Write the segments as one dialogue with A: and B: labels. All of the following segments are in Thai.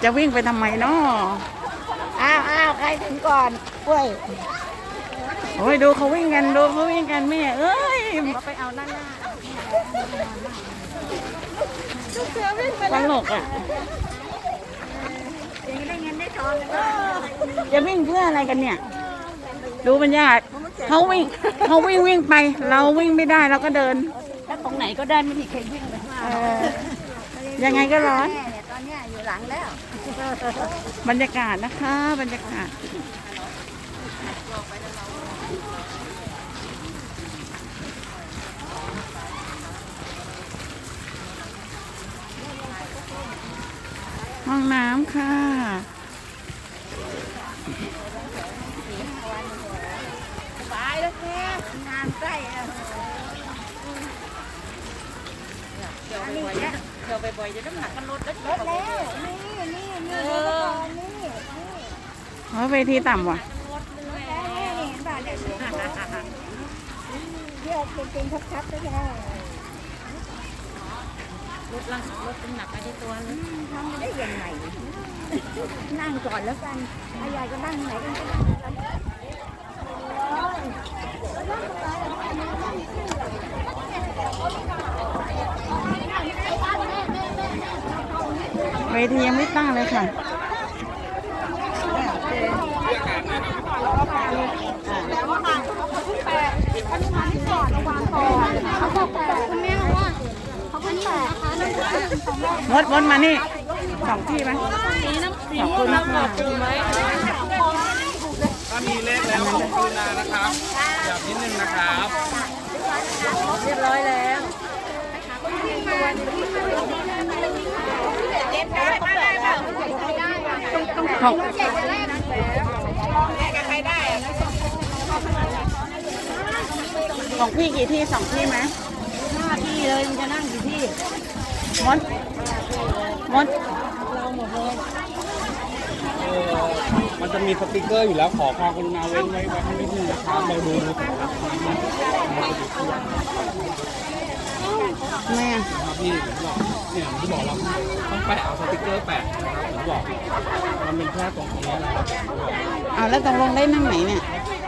A: จะวิ่งไปทำไมเนาะ
B: อ้าวใครถึงก่อนกล้วย
A: โอ้ยดูเขาวิ่งกันดูเขาวิ่งกันแม่เอ้ย
B: ไปเอาด้านหน้า
A: ตลกอ่ะ
B: อย่างนี้ได้เงินได้ทองกัน
A: จะวิ่งเพื่ออะไรกันเนี่ยดูบรรยากาศเขาวิ่งไปเราวิ่งไม่ได้เราก็เดิน
B: ถ้าตรงไหนก็ได้ไม่มีใครวิ่งไปข้างหน้า
A: ยังไงก็ร้อน
B: ตอนนี้อยู่หลังแล้ว
A: บรรยากาศนะคะบรรยากาศห้องน้ำค่ะ
B: ไปแล้วแค่งานใกล้
A: เที่ยวบ่อยๆจะน้ำหนักมันลด
B: แล้วนี่
A: เวทีต่ำว่ะ
B: เยอะจริงๆชัดๆเลย
A: ลดน้ำหนักไปที่ตัวเลย
B: ทำได้ยังไงนั่งก่อนแล้วกันถ้ายายก็นั่งไหนกันก็นั่งกัน
A: เวทียังไม่ตั้งเลยค่ะมดมานี่2 ที่ไหมขอบคุณมาก
C: ถ้ามีเลขแล้วขอบคุณนะครับหยับนิดนึงนะครับ
B: เรียบร้อยแล้ว
A: ของพี่กี่ที่2 ที่ไหม
B: 5 ที่เลยมันจะนั่งกี่ที่
A: มด
B: เราหมดเลย
C: มันจะมีสติกเกอร์อยู่แล้วขอความกรุณาเว้นไว้ให้นิดนึงนะครับเราดู
A: แม่
C: ครับพี่บอกเนี่ยที่บอกเราต้องแปะเอาสติกเกอร์แปะนะครับผมบอกมันเป็นแค่ตรงนี้นะครับ
A: แล้วตกลงได้นั่งไหนเนี่ย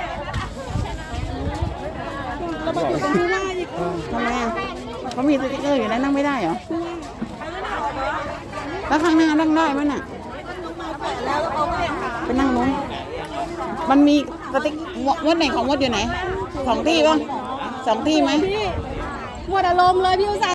A: ทำไมเขามีสติ๊กเกอร์อยู่แล้วนั่งไม่ได้เหรอแล้วข้างหน้านั่งได้ไหมน่ะไปนั่งนู้นมันมีสติ๊กมดไหนของมดอยู่ไหน2 ที่ป่ะ2 ที่ไหม
B: หมดอารมณ์เลยพี่อุตส่าห์